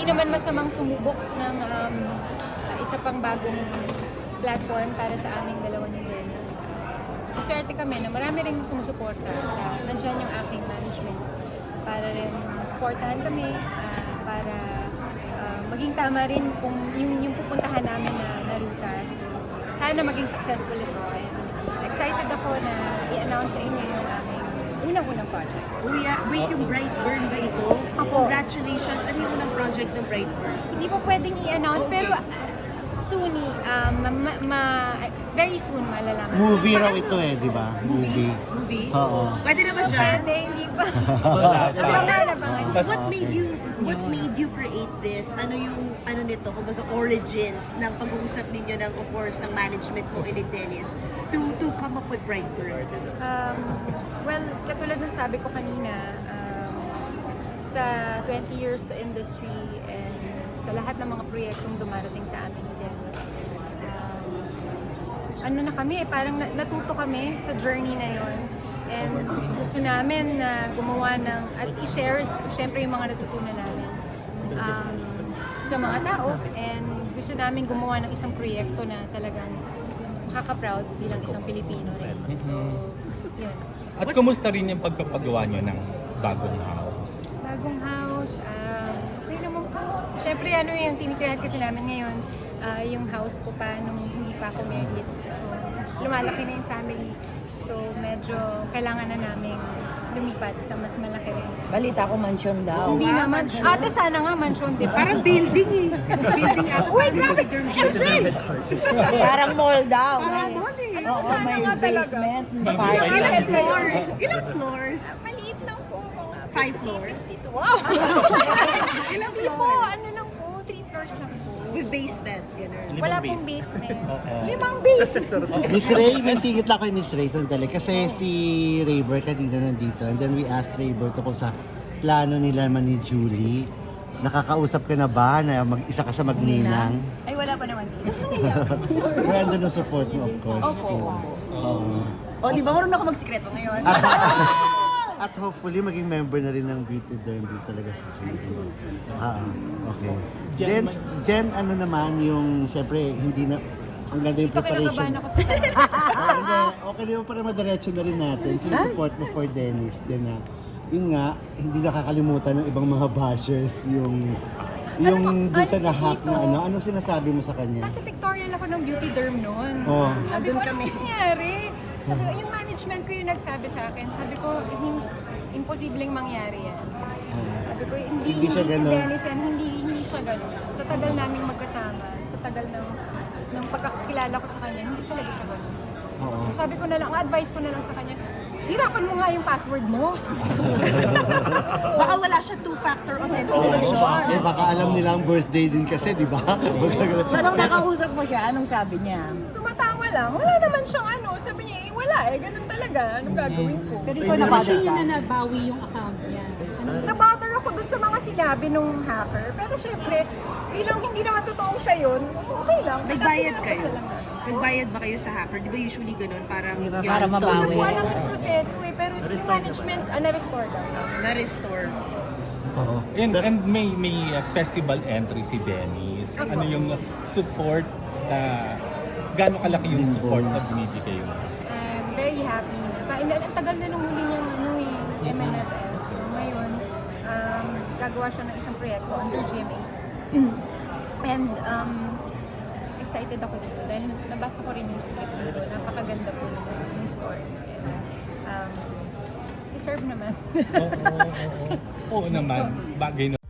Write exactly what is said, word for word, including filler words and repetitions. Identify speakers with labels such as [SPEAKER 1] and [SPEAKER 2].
[SPEAKER 1] hindi naman masamang sumubok ng um, isa pang bagong platform para sa aming dalawa ni Dennis. Uh, maswerte kami na marami rin sumusuporta. Uh, nandiyan yung aking management para rin supportahan kami, uh, para uh, maging tama rin kung yung, yung pupuntahan namin na, na ruta. Sana maging successful ito. And excited ako na i-announce sa inyo yung aming unang-unang project.
[SPEAKER 2] Uy, ah, wait, yung Brightburn ba ito?
[SPEAKER 1] Opo.
[SPEAKER 2] Congratulations! Ano yung unang project ng Brightburn?
[SPEAKER 1] Hindi po pwedeng i-announce,
[SPEAKER 2] Okay.
[SPEAKER 1] pero uh, soon, um, ma, ma- very soon malalaman.
[SPEAKER 3] Movie raw ito eh, di ba? Movie.
[SPEAKER 2] Movie?
[SPEAKER 3] Oo.
[SPEAKER 2] Pwede na ba dyan?
[SPEAKER 1] Pwede, hindi pa.
[SPEAKER 4] Wala pa.
[SPEAKER 1] Abangan, abangan.
[SPEAKER 2] What made you what made you create this? Ano yung ano nito, kumbaga origins ng pag-uusap ninyo ng of course ng management mo and ni Dennis to to come up with Brightburn?
[SPEAKER 1] Um, well, katulad ng sabi ko kanina, um, sa twenty years sa industry and sa lahat ng mga proyektong dumarating sa amin ni Dennis, um, ano na kami, parang na- natuto kami sa journey na yon. And gusto namin na gumawa ng, at i-share, syempre yung mga natutunan namin um, sa mga tao. And gusto namin gumawa ng isang proyekto na talagang makaka-proud bilang isang Pilipino rin. So, yun.
[SPEAKER 4] At kumusta rin yung pagpapagawa nyo ng bagong house?
[SPEAKER 1] Bagong house, ah, okay naman po. Siyempre, ano yung tinitirahan kasi namin ngayon, ah, yung house ko pa nung hindi pa ako married. So, lumalaki na yung family. So, medyo kailangan na namin lumipat sa mas malaki rin.
[SPEAKER 5] Balita ko mansion daw.
[SPEAKER 1] Hindi naman. Ate, sana nga mansion, di ba?
[SPEAKER 2] Parang building eh. Building ata. Wait, grabe!
[SPEAKER 5] Parang mall daw.
[SPEAKER 2] Parang mall eh.
[SPEAKER 1] Ano,
[SPEAKER 5] Oo,
[SPEAKER 1] sana
[SPEAKER 5] may
[SPEAKER 1] nga talaga.
[SPEAKER 5] basement,
[SPEAKER 2] Ilang
[SPEAKER 5] parking.
[SPEAKER 2] floors? Ilang floors?
[SPEAKER 1] Maliit lang po. Mga
[SPEAKER 2] Five floors?
[SPEAKER 1] Wow!
[SPEAKER 2] Ilang
[SPEAKER 1] Hindi po,
[SPEAKER 2] floors?
[SPEAKER 1] ano lang po, three floors lang po.
[SPEAKER 2] With basement, gano'n.
[SPEAKER 1] Wala pong basement. Limang basement.
[SPEAKER 3] Miss Ray, may singit lang kay Miss Ray sandali. Kasi si Rayber kanina nandito. And then we asked Rayber tungkol sa plano nila man ni Julie. Nakakausap ka na ba na mag-isa ka sa magninang?
[SPEAKER 1] Ay, wala pa naman dito.
[SPEAKER 3] Pero andun ang support mo, of course.
[SPEAKER 1] Opo.
[SPEAKER 3] Oo.
[SPEAKER 1] O, di ba marunong ako magsikreto ngayon?
[SPEAKER 3] At, at hopefully, maging member na rin ng Beauty Derby talaga si Julie. Ah, okay. Jen, Jen, ano naman yung, syempre, hindi na, ang ganda yung
[SPEAKER 1] Ito, kinakabahan
[SPEAKER 3] preparation.
[SPEAKER 1] ako sa tanong.
[SPEAKER 3] Ah, hindi. Okay naman para madiretso na rin natin. Sinusupport mo for Dennis. Then, na, yun nga, hindi nakakalimutan ng ibang mga bashers yung yung
[SPEAKER 1] Ano ba?
[SPEAKER 3] doon sa
[SPEAKER 1] Ano si
[SPEAKER 3] nahack na
[SPEAKER 1] Tito?
[SPEAKER 3] ano. Ano sinasabi mo sa kanya?
[SPEAKER 1] Nasa pictorial ako ng beauty derm noon.
[SPEAKER 3] Oo.
[SPEAKER 1] Sabi ko, ano nangyari? Sabi ko, yung management ko yung nagsabi sa akin. Sabi ko, "Hin- imposibleng mangyari yan. Sabi ko, hindi,
[SPEAKER 3] Hindi siya
[SPEAKER 1] si
[SPEAKER 3] ganun.
[SPEAKER 1] Dennis yan, hindi, hindi siya ganun. Sa tagal namin magkasama, sa tagal ng, ng pagkakakilala ko sa kanya, hindi talaga siya ganun.
[SPEAKER 3] Oo.
[SPEAKER 1] Sabi ko na lang, ang advice ko na lang sa kanya, hirapan mo nga yung password mo.
[SPEAKER 2] Baka wala siya two-factor authentication.
[SPEAKER 3] Eh, baka alam nila ang birthday din kasi, di ba?
[SPEAKER 5] So, nung nakausap mo siya, anong sabi niya?
[SPEAKER 1] Tumatawa lang. Wala naman siyang ano. Sabi niya, eh, wala eh. Ganun talaga. Anong gagawin ko?
[SPEAKER 5] Pero
[SPEAKER 3] So,
[SPEAKER 5] ikaw
[SPEAKER 3] hindi naman
[SPEAKER 5] nabawi
[SPEAKER 3] siya-
[SPEAKER 5] ka.
[SPEAKER 6] na nabawi yung account niya. Ano?
[SPEAKER 1] Nabother ako dun sa mga sinabi nung hacker. Pero syempre, bilang hindi naman totoong siya yun, okay lang.
[SPEAKER 2] Nagbayad
[SPEAKER 1] Pinapasa
[SPEAKER 2] kayo?
[SPEAKER 1] lang namin.
[SPEAKER 2] Nagbayad ba kayo sa hacker? Di ba usually ganun? Parang
[SPEAKER 5] Di ba,
[SPEAKER 2] yun,
[SPEAKER 5] para
[SPEAKER 2] so,
[SPEAKER 5] mabawi?
[SPEAKER 1] Wala ng proseso eh. Pero si management, ah, na-restore daw.
[SPEAKER 2] na-restore.
[SPEAKER 3] Oo.
[SPEAKER 4] And, and may may uh, festival entry si Dennis. Ano yung support na gaano kalaki yung support na binibigay mo?
[SPEAKER 1] I'm very happy na. Pa, ang tagal na nung huli niyang ano eh, M M F F. So ngayon, um, gagawa siya ng isang proyekto under G M A. And um, excited ako dito dahil nabasa ko rin yung script dito. Napakaganda po yung story. And, um, deserve naman.
[SPEAKER 4] Oo, oo, oo. Oo naman, bagay na